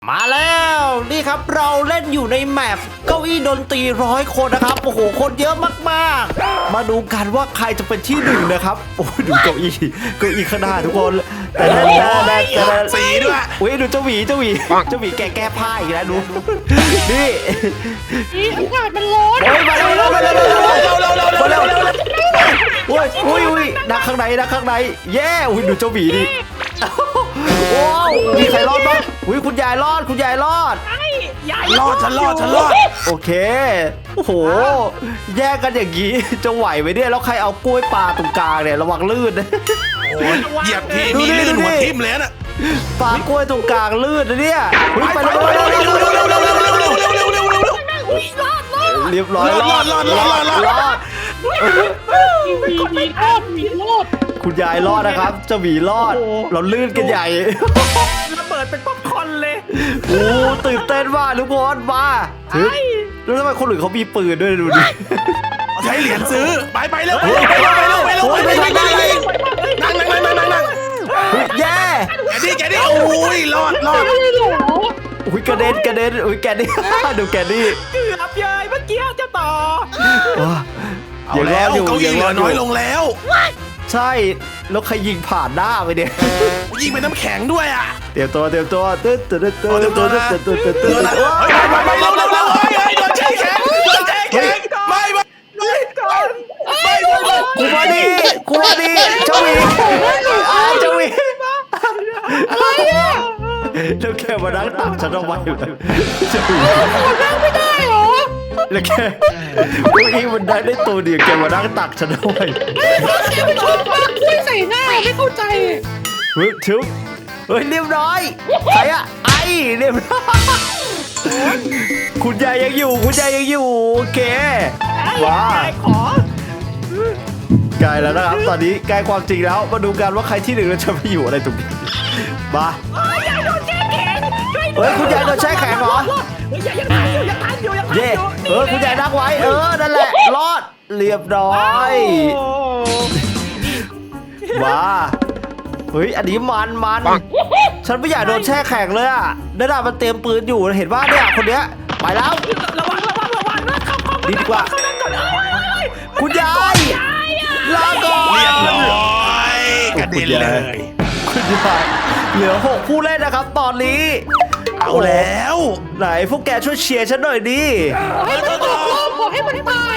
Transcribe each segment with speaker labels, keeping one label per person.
Speaker 1: มาแล้วนี่ครับเราเล่นอยู่ในแมปเก้าอี้ดนตรี100 คนนะครับโอ้โหคนเยอะมากๆมาดูกันว่าใครจะเป็นที่หนึ่งนะครับโอ้ดูเก้าอี้ข้างหน้าทุกคนแต่
Speaker 2: สีด้วย
Speaker 1: อุ้ยดูเจ้าหวีแก้ผ้าอีกแล้วดูนี่
Speaker 3: อากาศมันร้อน
Speaker 1: โอ้ยมาเร็วอุ้ยนักข้างในเย้อุ้ยดูเจ้าหวีดิว้าวมีใครรอดบ้างอุ้ยคุณยายรอด
Speaker 2: รอดฉันรอด
Speaker 1: โอเคโอ้โหแยกกันอย่างนี้จะไหวไหมเนี่ยแล้วใครเอากล้วยปลาตรงกลางเนี่ยระวังลื่นนะ
Speaker 2: เหยียบทีนี่ลื่นหัวทิ่มเลยนะ
Speaker 1: ปลากล้วยตรงกลางลื่นนะเนี่ยไปเรียบร้อยรอด
Speaker 3: มีรอด
Speaker 1: คุณยายรอดนะครับเจ้าหมีรอดเราลื่นกันใหญ่
Speaker 4: ระเบิดเป็นป๊อปคอร์นเลย
Speaker 1: โอ้ตื่นเต้นมากทุกคนมาแล้วทำไมคนอื่นเขามีปืนด้วยดูดิ
Speaker 2: ใช้เหรียญซื้อไปเร็วนั่ง
Speaker 1: แย่
Speaker 2: แกดิโอ้ยรอด
Speaker 1: อุ้ยกระเด็นอุ้ยแกนี่ดูแกนี่
Speaker 4: เกือบเย้ยเมื่อกี้เจ้าต่อ
Speaker 2: เอาแล้วเก้าอี้เหลือน้อยลงแล้ว
Speaker 1: ใช่แล้วใครยิงผ่านหน้าไปเนี่ย
Speaker 2: ยิงเป็นน้ำแข็งด้วยอ่ะ
Speaker 1: เตรียมตัว
Speaker 2: ไปเร็วโดนแช่แข็งไม่
Speaker 1: กูมาดิเจ้าหวี
Speaker 3: อะไรอ่ะ
Speaker 1: แล้วแกมานั่งตักฉันเอาไว้อยู่เจ้าหวี
Speaker 3: นั่งไม่ได้เหรอ
Speaker 1: แล้วแกอีมันได้ตัวเดียวแกมานั่งตักฉันเอาไว้
Speaker 3: แกไปชอบปากกล้วยใส่หน้าไม่เข้าใจ
Speaker 1: เฮ้ยเรียบร้อยใครอะไอเรียบร้อยคุณยายยังอยู่โอเคว้าใกล้แล้วนะครับตอนนี้ใกล้ความจริงแล้วมาดูกันว่าใครที่หนึ่งจะไปอยู่อะไรตรงนี้มาเฮ้ยคุณยายโดนแช่แข็งเหรอ
Speaker 4: ยังทันอยู่
Speaker 1: เย่คุณยายนั่งไว้นั่นแหละรอดเรียบร้อยว้าเฮ้ยอันนี้มันฉันไม่อยากโดนแช่แข็งเลยอ่ะนั่นน่ะมันเตรียมปืนอยู่เห็นว่าเนี่ยคนเนี้ยไปแล้ว
Speaker 4: ระวังนะ
Speaker 1: ดีกว่าคุณยายลาก่อน
Speaker 2: เรียบร้อยกระเด็นเลย
Speaker 1: คุณยายเหลือ6 ผู้เล่นนะครับตอนนี้
Speaker 2: เอาแล้ว
Speaker 1: ไหนพวกแกช่วยเชียร์ฉันหน่อยดิ
Speaker 3: ให้มันตกรอบขอให้มันตาย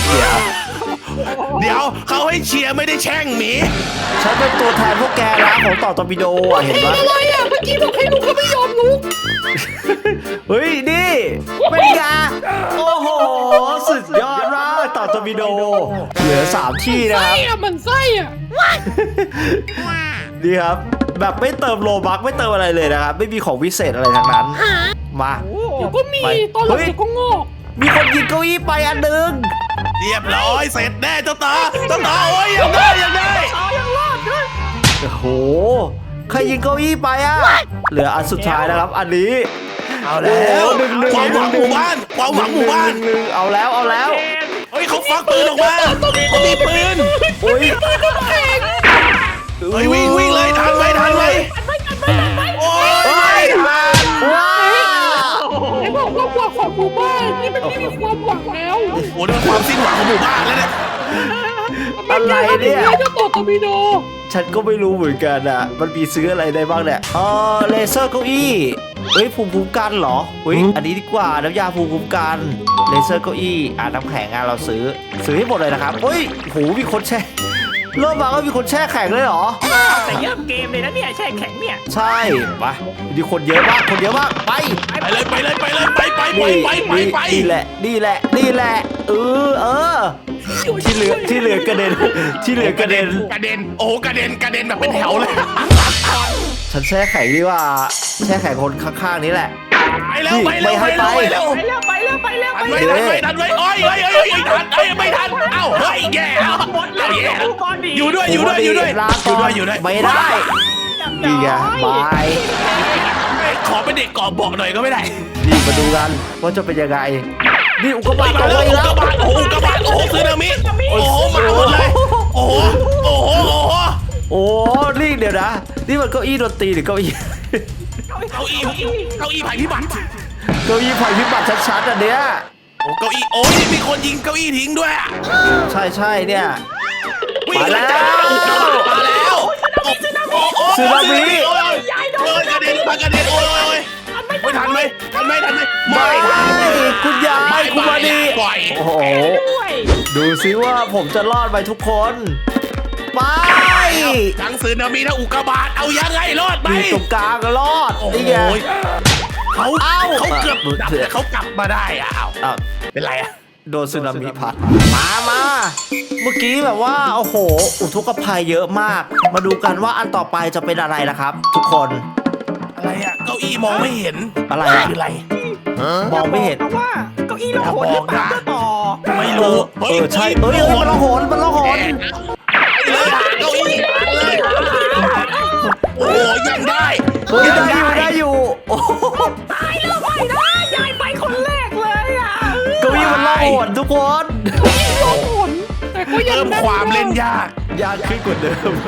Speaker 2: เดี๋ยวเขาให้เชียร์ไม่ได้แช่งหมี
Speaker 1: ฉันเป็นตัวแทนพวกแกนะของต่อตอร์ปิโดเห็นไหม
Speaker 3: อะไรอ่ะเมื่อกี้บอกให้ลุกก็ไม่ยอมลุก
Speaker 1: เฮ้ยนี่เป็นไงโอ้โหสุดยอดมากต่อตอร์ปิโดเหลือ3 ที่นะครับ
Speaker 3: มันไส้อ่ะ
Speaker 1: ดีครับแบบไม่เติมโลบัคไม่เติมอะไรเลยนะครับไม่มีของวิเศษอะไรทั้งนั้นมา
Speaker 3: เดี๋ยวก็มีตอนหลังเดี๋ยวก็งอก
Speaker 1: มีคนยิงเก้าอี้ไปอันนึง
Speaker 2: เรียบร้อยเสร็จแน่เจ้าตาโอ้ยยังได้
Speaker 4: ยังรอดด้วย
Speaker 1: โอ้โหใครยิงเก้าอี้ไปอ่ะเหลืออันสุดท้ายนะครับอันนี้
Speaker 2: เอาแล้วความหวังหมู่บ้าน
Speaker 1: เอาแล้ว
Speaker 2: เฮ้ยเขาฟักปืนออกมาเขามีปืน
Speaker 1: โอ้ย
Speaker 2: เฮ้ยวิ่งเลยทันไหมโอ้ย
Speaker 1: ว้าว
Speaker 3: ไอ้บอกความหวังของหมู่บ้านนี่มันไม่มีความหวังแล้ว
Speaker 2: โอ้โหนี่มันความสิ้นหวังของหมู่บ้านแล้วเนี่ย
Speaker 1: อะไรเนี่ย
Speaker 3: จะต่อตอร์ปิโด
Speaker 1: ฉันก็ไม่รู้เหมือนกันอ่ะมันมีซื้ออะไรได้บ้างเนี่ยเลเซอร์เก้าอี้เฮ้ยภูมิคุ้มกันเหรอเฮ้ยอันนี้ดีกว่าน้ำยาภูมิคุ้มกันเลเซอร์เก้าอี้น้ำแข็งเราซื้อให้หมดเลยนะครับเฮ้ยโหมีคนแช่เริ่มมาก็มีคนแช่แข็งเลยเหรอ
Speaker 4: แต่เยอะเกมเลยนะเนี่ยแช่แข็งเนี่ย
Speaker 1: ใช่ไปมีคนเยอะมากไป
Speaker 2: เลย
Speaker 1: นี่แหละที่เหลือกระเด็น
Speaker 2: โอ้กระเด็นแบบเป็นแถวเลย
Speaker 1: ฉันแช่แข็งดีว่าแช่แข็งคนข้างๆนี้แหละ
Speaker 2: ไปเร็วไม่ทันโอ้ยไม่ทันเอ้าเฮ้ยแย่อยู่ด้วย
Speaker 1: ไม่ได้ดีไงบาย
Speaker 2: ขอเป็นเด็กกอบบอกหน่อยก็ไม่ได้
Speaker 1: นี่มาดูกันว่าจะเป็นยังไงนี่อุกกาบาตตกเลยแล้ว
Speaker 2: อุกกาบาตซึนามิโอ้โหมาหมดเลยโอ้โห
Speaker 1: โอ้นี่เดี๋ยวนะนี่มันเก้าอี้ดนตรีหรือเก้าอี้
Speaker 4: เก้า
Speaker 2: เก้าอี้ภัยพิบัติ
Speaker 1: เก้าอี้ภัยพิบัติชัดๆอันเนี้ย
Speaker 2: โอ้เก้าอี้โอ้ยมีคนยิงเก้าอี้ทิ้งด้วยอะ
Speaker 1: ใช่เนี่ย
Speaker 2: วิ่ง
Speaker 1: มาแล้ว
Speaker 2: มาแล้วสึนามิโอ้ยกระเด็นมากระเด็นโอ้ยไม่ทันไหมไม่ทัน
Speaker 1: คุณยายคุณมาดี
Speaker 2: ปล่อย
Speaker 1: โอ้โห
Speaker 4: ด้วย
Speaker 1: ดูซิว่าผมจะรอดไปทุกคนไป
Speaker 2: ทั้งสึนามิทั้งอุกกาบาตเอายังไงรอดไหม
Speaker 1: อยู่ตรงกลางรอด
Speaker 2: โอ้โห
Speaker 1: นี่ไง
Speaker 2: เขาเกือบดับแต่เขากลับมาได้อ่ะ
Speaker 1: อ้าว
Speaker 2: เป็นไรอ่ะ
Speaker 1: โดนสึนามิพัดมาเมื่อกี้แบบว่าโอ้โหอุทกภัยเยอะมาก มาดูกันว่าอันต่อไปจะเป็นอะไรนะครับ ทุกคน
Speaker 2: อะไรอ่ะเก้าอี้มองไม่เห็น
Speaker 1: อะไรอะ
Speaker 2: คืออะไร
Speaker 1: มองไม่เห็น
Speaker 4: เพราะว่าเก้าอี้เราโหดหรือเปล่าต่อ
Speaker 2: ไม่รู้
Speaker 1: ใช่มันละหน
Speaker 2: เลยหาเก้าอี้เลยโอ้ยังได้
Speaker 1: เฮ้ยได้อยู่โอ้โห
Speaker 4: ตายแล้วไปนะยายไปคนแรกเลยอ่ะ
Speaker 1: เก้าอี้มันละหนทุกคน
Speaker 3: โอ้โหแต่ก็ยัง
Speaker 2: เพิ่มความเล่นยาก
Speaker 1: ยากขึ้นกว่าเดิม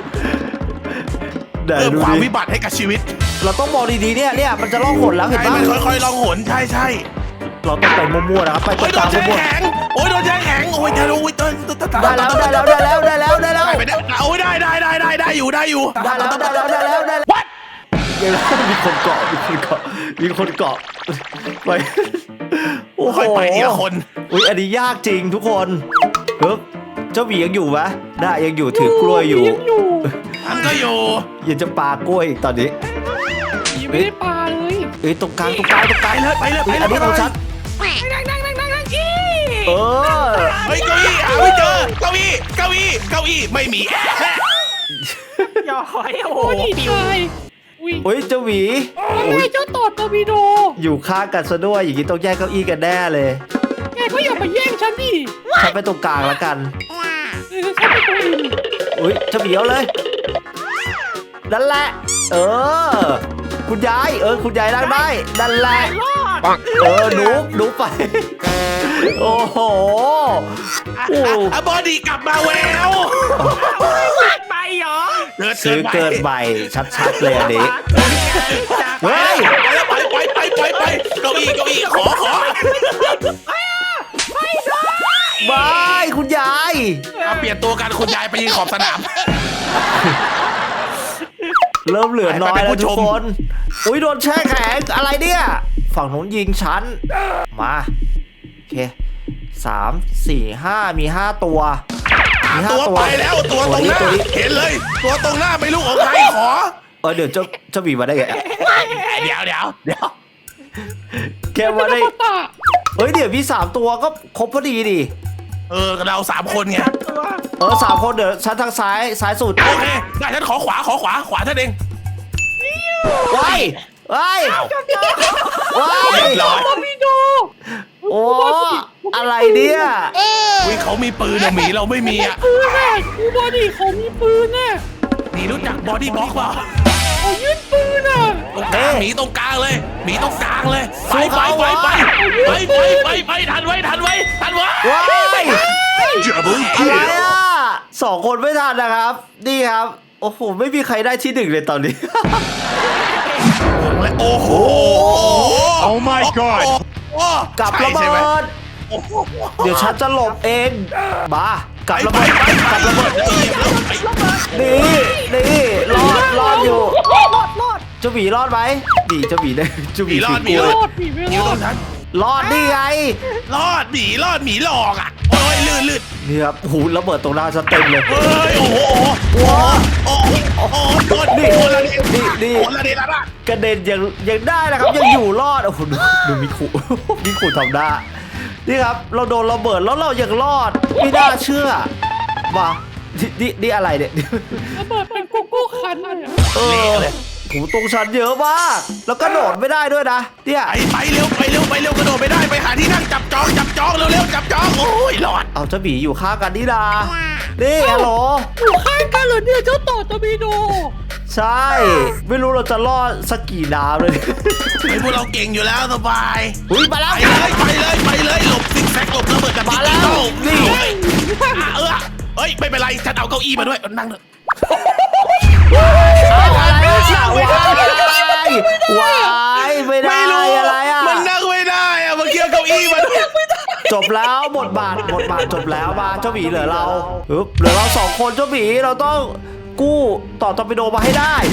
Speaker 2: เพิ่มความวิบัติให้กับชีวิต
Speaker 1: เราต้องมองดีๆเนี่ยมันจะล่องหนแล้วเห็น
Speaker 2: ใช่
Speaker 1: ปะ
Speaker 2: มันค่อยๆลองหนใช่
Speaker 1: เราต้องไปมั่วๆนะครับไปตร
Speaker 2: โอ้ย
Speaker 1: ง
Speaker 2: โด
Speaker 1: กลาง
Speaker 2: นแช่
Speaker 1: มั่ว
Speaker 2: แข็งโอ้ยโดนแช่แข็งโอ้ยทะลุโอ้ยได้แล้ว
Speaker 1: ๆได้แล้ว
Speaker 2: ไปได้โอ้ยได้อยู่
Speaker 1: ได้แล้ววัดยังมีคนเกาะไปโอ้โห
Speaker 2: ค่อยไปทีละคน
Speaker 1: อุ้ยอันนี้ยากจริงทุกคนเฮ้ยเจ้าหมียังอยู่ไหมได้ยังอยู่ถือกล้วยอยู่
Speaker 3: ยังอยู่
Speaker 2: มันก็อยู่
Speaker 1: ยังจะปากล้วยอีกตอนนี้
Speaker 3: ยังไม่ได้ปลาเลย
Speaker 1: เอ้ยตรงกลาง
Speaker 2: ไปเลยไปเลย
Speaker 1: อันนี้ของฉัน
Speaker 4: นั่งอี
Speaker 1: เออ
Speaker 2: เฮ้ยเก้าอี้หาไม่เจอเก้าอี้ไม่มี
Speaker 4: ย่อยโอ้โห
Speaker 3: โอ้ยตายอุ้ย
Speaker 1: เฮ้ยเจ้าหมี
Speaker 3: ยังไงเจ้าต่อตอร์ปิโด
Speaker 1: อยู่ข้างกันซะด้วยอย่างนี้ต้องแยกเก้าอี้กันแน่เลย
Speaker 3: แกก็อย่ามาแย่งฉันดิ
Speaker 1: ฉันไปตรงกลางแล้วกัน
Speaker 3: ฉันเป็นตัวเอง
Speaker 1: อุ้ยเจ้าหมีเอาเลยนั่นแหละ เออ คุณยายคุณยายนั่งได้นั่นแหละ
Speaker 4: รอด
Speaker 1: หนูไป โอ้โห
Speaker 2: บอดี้กลับมาแวว
Speaker 4: ไปเหรอ
Speaker 1: ซื้อเกินใบชัดๆเลยอันนี้ เฮ้ย
Speaker 2: ไปเก้าอี้ขอ
Speaker 1: บายคุณยาย
Speaker 2: เอาเปลี่ยนตัวกันคุณยายไปยืนขอบสนาม
Speaker 1: เริ่มเหลือน้อย
Speaker 2: ไป
Speaker 1: แล้ว
Speaker 2: ผู้
Speaker 1: ทุ
Speaker 2: ช
Speaker 1: ก
Speaker 2: ม
Speaker 1: คน อุ้ยโดนแช่แข็งอะไรเนี่ย ฝั่งนู้นยิงฉัน มาโอเค3 4 5มี5ตัวมี5
Speaker 2: ตัวไปแล้วตัวตรงหน้า
Speaker 1: ตัวนี้
Speaker 2: เห็นเลย ตัวตรงหน้าไม่รู้ของใครขอ
Speaker 1: เดี๋ยวเจ้าบีมาได้ไง
Speaker 2: เดี๋ยว
Speaker 1: แกมาได้
Speaker 3: ตา
Speaker 1: เฮ้ยเดี๋ยวมี3ตัวก็ครบพอดีดิ
Speaker 2: เรา3 คนไง
Speaker 1: 3 คนเดี๋ยวฉันทางซ้ายสุด
Speaker 2: โอเคได้ฉันขอขวาท่านเอง
Speaker 1: ว้าย
Speaker 2: เรียบร้อย
Speaker 3: ตอร์ปิโด
Speaker 1: โอ้อะไรเนี่ย
Speaker 2: อุ้ยเขามีปืนอะหมีเราไม่มีอะ
Speaker 3: ปืนน่ะกูบอดี้เขามีปืนน่ะ
Speaker 2: หมีรู้จักบอดี้บล็อกเปล่า
Speaker 3: เขายื่นปืนน่ะ
Speaker 2: ตรงกลางหมีตรงกลางเลยไปทันไว้
Speaker 1: ว้าย อะไรอ่ะ2 คนไม่ทันนะครับ นี่ครับ โอ้โห ไม่มีใครได้ที่1เลยตอนนี้
Speaker 2: โอ้โห Oh my god
Speaker 1: กับระเบิด เดี๋ยวฉันจะหลบเองมากับระเบิดนี่รอดอยู่
Speaker 4: รอด
Speaker 1: เจ้าหมีรอดไหมดีเจ้าหมีได้เจ้าหมีถือกล้วย
Speaker 3: รอดผีไม่รอด
Speaker 1: รอดนี่ไง
Speaker 2: รอดหมีหลอกอ่ะโอ้ยลื่น
Speaker 1: นี่ครับหูระเบิดตรงหน้าฉันเต็มเลย
Speaker 2: เฮ้ยโอ้โหคนละนี่ละ
Speaker 1: กระเด็นยังได้นะครับยังอยู่รอดโอ้โหดูมิคุมิคุทำได้นี่ครับเราโดนระเบิดแล้วเรายังรอดไม่น่าเชื่อว่านี่อะไรเนี่ย
Speaker 3: ระเบิดเป็นโกโก้คันเลยอะ
Speaker 1: หูตรงชั้นเยอะมากแล้วก็โดดไม่ได้ด้วยนะเนี่ย
Speaker 2: ไปเร็วกระโดดไปได้ไปหาที่นั่งจับจองเร็วจับจองโอ้ยหลอด
Speaker 1: เอาเจ้าหมีอยู่ข้างกันนี่นานี่ฮัลโหล
Speaker 3: อยู่ข้างกันเหรอเนี่ยเจ้าต่อตอร์ปิโด
Speaker 1: ใช่ไม่รู้เราจะรอดสักกี่น้ำเลย
Speaker 2: พวกเราเก่งอยู่แล้วสบาย
Speaker 1: อุ้ยมาแล้ว
Speaker 2: ไปเลยหลบซิกแซกหลบระเบิดกับ
Speaker 1: มาแล้วนี่
Speaker 2: เฮ้ยไม่เป็นไรฉันเอาเก้าอี้มาด้วยนั่งเถอะ
Speaker 1: เอาอะไรอ่ะว้ายวายไม่ได้
Speaker 2: ไม่รู้
Speaker 1: อะไรอ่ะ
Speaker 2: มันนั่งไม่ได้อะเมื่อกี้เก้าอี้มัน
Speaker 1: จบแล้วบทบาทจบแล้วมาเจ้าหมีเหลือเราปึ๊บเหลือเราสองคนเจ้าหมีเราต้องกู้ต่อตอร์ปิโดมาให้ได้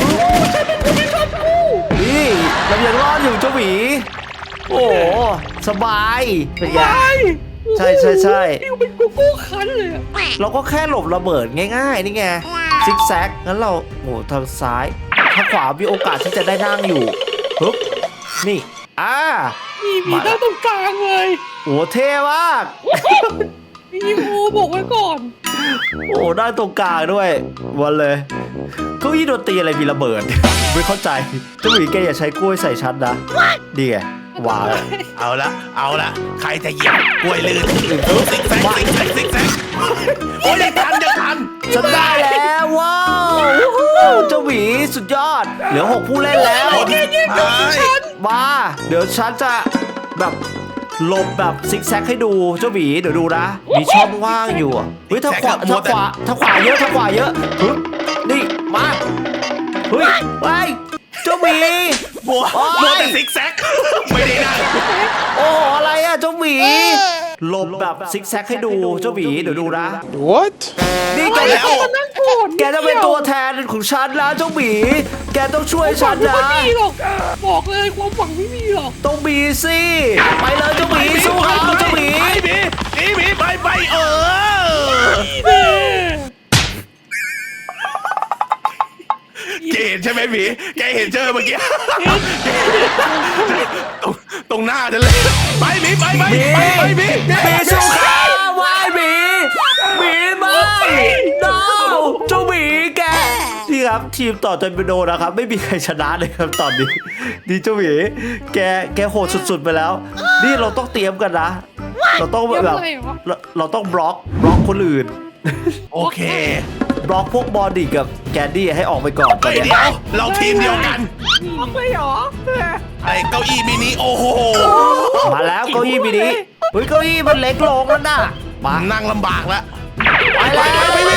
Speaker 1: นี่เรายังรอดอยู่เจ้าหมีโอ้โหสบายเป็นไงใช่
Speaker 3: ฟิวเป็นกูกู้คันเลยอะ
Speaker 1: เราก็แค่หลบระเบิดง่ายๆนี่ไงซิกแซกงั้นเราโอ้ทางซ้ายทางขวามีโอกาสที่จะได้นั่งอยู่ปึ๊บนี่
Speaker 3: มีด้านตรงกลางเลย
Speaker 1: โอ้เท่มาก
Speaker 3: มีโอบอกไว้ก่อน
Speaker 1: โอ้ได้ตรงกลางด้วยวันเลยเก้าอี้ดนตรีอะไรมีระเบิด ไม่เข้าใจเจ้าหมีแกอย่าใช้กล้วยใส่ฉันนะดีไงวาง
Speaker 2: เอาละใครจะเหยียบกล้วยลื่นซิกแซกโอ้ยยังทัน
Speaker 1: ฉันได้แล้วว้าวเจ้าหมีสุดยอดเหลือ6ผู้เล่นแล้ว มาเดี๋ยวฉันจะแบบหลบแบบซิกแซกให้ดูเจ้าหมีเดี๋ยวดูนะมีช่องว่างอยู่เฮ้ยทางขวาเยอะปึ๊บนี่มาเฮ้ยไปเจ้าหมี
Speaker 2: บัวแต่ซิกแซกไม่ได้นั่ง
Speaker 1: โอ้อะไรอะเจ้าหมีหลบแบบซิกแซกให้ดูเจ้าหมีเดี๋ยวดูนะ
Speaker 5: What?
Speaker 1: นี่แกจะเป็นตัวแทนของฉันแล้วเจ้าหมีแกต้องช่วยฉันนะ
Speaker 3: ไม่มีหรอกบอกเลยความหวังไม่มีหรอก
Speaker 1: ต้องมีสิไปเลยเจ้าหมีสู้เขาเจ้าหมี
Speaker 2: หมีไปเกณฑ์ใช่ไหมหมีแกเห็นเจอเมื่อกี้ตรงหน้าฉันเลยไปหมีหมี
Speaker 1: สู้เขาวายหมีไม่ดาวเจ้าหมีแกนี่ครับทีมต่อจนไปโดนนะครับไม่มีใครชนะเลยครับตอนนี้ดีเจ้าหมีแกโหดสุดๆไปแล้วนี่เราต้องเตรียมกันนะเราต้องแบบเราต้องบล็อกคนอื่น
Speaker 2: โอเค
Speaker 1: บล็อกพวกบอดี้กับแกนดี้ให้ออกไปก่อน
Speaker 2: เดี๋ยวเราทีมเดียวกัน
Speaker 4: ออกเลยเหรอ
Speaker 2: ไอ้เก้าอี้มินิโอ้โห
Speaker 1: มาแล้วเก้าอี้มินิเฮ้ยเก้าอี้มันเล็กลงแล้วน่ะมา
Speaker 2: นั่งลำบากแล้ว
Speaker 1: ไปแล้ว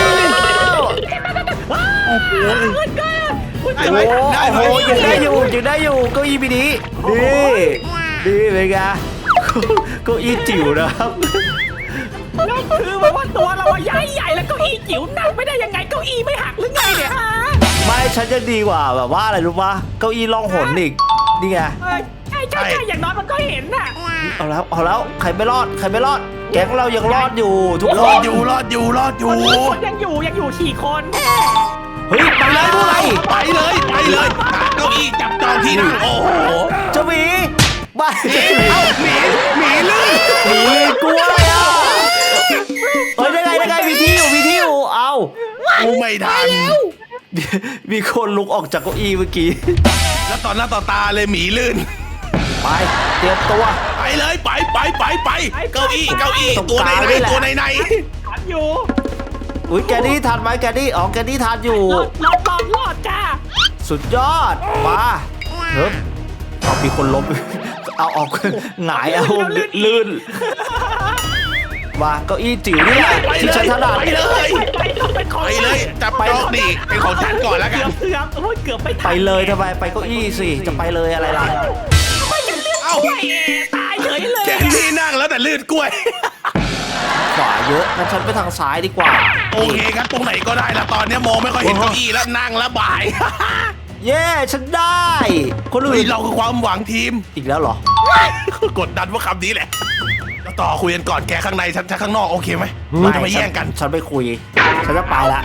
Speaker 2: โอ้โห
Speaker 1: โอ้โหยังได้อยู่เก้าอี้มินิดีเป็นไงเก้าอี้จิ๋วนะครับ
Speaker 4: แล้วคือแบบว่าตัวเราใหญ่แล้วเก้าอี้จิ๋วนั่งไม่ได้ยังไงเก้าอี้ไม่หักหรือไงเนี่ยฮะ
Speaker 1: ไม่ฉันจะดีกว่าแบบว่าอะไรรู้ปะเก้าอี้ล่องหนอีกนี่ไง
Speaker 4: ใช่อย่างน้อยมันก็เห็นน่ะ
Speaker 1: เอาแล้วใครไม่รอดแก๊งเรายังรอดอยู่ทุกคน
Speaker 2: รอดอยู่
Speaker 4: คนยังอยู่4 คน
Speaker 1: เฮ้ยไปเลยพวกเรา
Speaker 2: ไปเลยเก้าอี้จับจองที่นั่งโอ้โห
Speaker 1: เจ้าหมีไป
Speaker 2: เอ้าหมีลื่น
Speaker 1: หมีกลัวอะไรอ่ะเฮ้ยได้ไงมีที่อยู่เอา
Speaker 2: กูไม่ทัน
Speaker 1: มีคนลุกออกจากเก้าอี้เมื่อกี้
Speaker 2: แล้วตอนหน้าต่อตาเลยหมีลื่น
Speaker 1: ไปเตรียมตัว
Speaker 2: ไปเลยไปเก้าอี้ตัวใน
Speaker 4: ทันอยู่
Speaker 1: อุ้ยแกนี่ทันไหมแกนี่ทันอยู่
Speaker 4: รอดจ้า
Speaker 1: สุดยอดมาเฮ้ยเอามีคนล้ม เอาออกหงายเอาลื่นมาเก้าอี้จิ๋วนี่แหละที่ฉันถนัด
Speaker 2: ไปเลยจับจองดิเป็นของฉันก่อนแล้วกัน
Speaker 4: เกือบไม่ทัน
Speaker 1: ไปเลยทำไมไปเก้าอี้สิจะไปเลยอะไรล่ะ
Speaker 2: เอ้า
Speaker 4: ตายเฉยเลย
Speaker 2: แกที่นั่งแล้วแต่ลื่นกล้วย
Speaker 1: ขวาเยอะงั้นฉันไปทางซ้ายดีกว่า
Speaker 2: โอเคครับตรงไหนก็ได้ละตอนนี้มองไม่ค่อยเห็นเก้าอี้แล้วนั่งแล้วบ่าย
Speaker 1: เย้ฉันได้คนอื่
Speaker 2: เฮ้ย
Speaker 1: น
Speaker 2: เราคือความหวังทีม
Speaker 1: อีกแล้วเหรอ
Speaker 2: กดดันว่าคำนี้แหละแล้วต่อคุยกันก่อนแกข้างในฉันข้างนอกโอเคไหมเราจะไม่แย่งกัน
Speaker 1: ฉันไปคุยฉันจะไปละ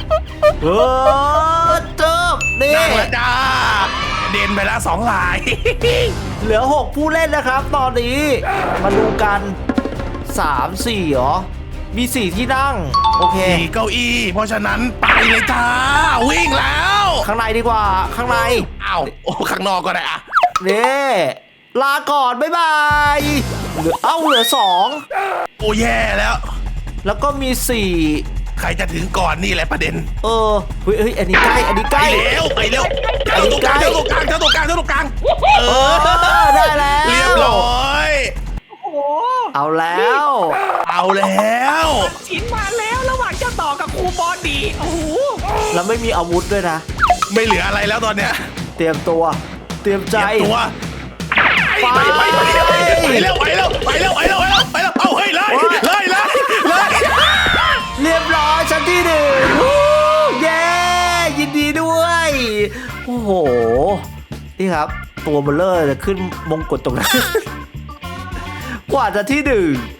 Speaker 1: จบนี่
Speaker 2: นั่งแล้วจ้าเด่นไปแล้ว2 ลาย
Speaker 1: เหลือ6ผู้เล่นนะครับ ตอนนี้มาดูกัน3 4เหรอมี4ที่นั่งโอเค
Speaker 2: มีเก้าอี้เพราะฉะนั้นไปเลยจ้าวิ่งแล้ว
Speaker 1: ข้างในดีกว่าข้างใน
Speaker 2: อ้าวโอ้ข้างนอกก็ได้อะ
Speaker 1: นี่ลาก่อนบ๊ายบายเหลือ2
Speaker 2: โอ้แย่แล้ว
Speaker 1: แล้วก็มี
Speaker 2: ใครจะถึงก่อนนี่แหละประเด็น
Speaker 1: 4เฮ้ยอันนี้ใกล้
Speaker 2: ไปเร็วเจ้าตรงกลางเออ
Speaker 1: ได้แล้ว
Speaker 2: เรียบร้อย
Speaker 4: โอ้โห
Speaker 1: เอาแล้ว
Speaker 4: ชิ้นมาแล้วระหว่างเจ้าต่อกับครูบอดีโอ้โห
Speaker 1: แล้วไม่มีอาวุธด้วยนะ
Speaker 2: ไม่เหลืออะไรแล้วตอนเนี้ย
Speaker 1: เตรียมตัวเตรียมใจ
Speaker 2: ตัวไปแล้วเอาเฮ้ยเลย
Speaker 1: เรียบร้อยชั้นที่1วู้เย้ยินดีด้วย โอ้โห นี่ครับ ตัวเบลเลอร์จะขึ้นมงกุฎตรงนั้น กว่าจะที่1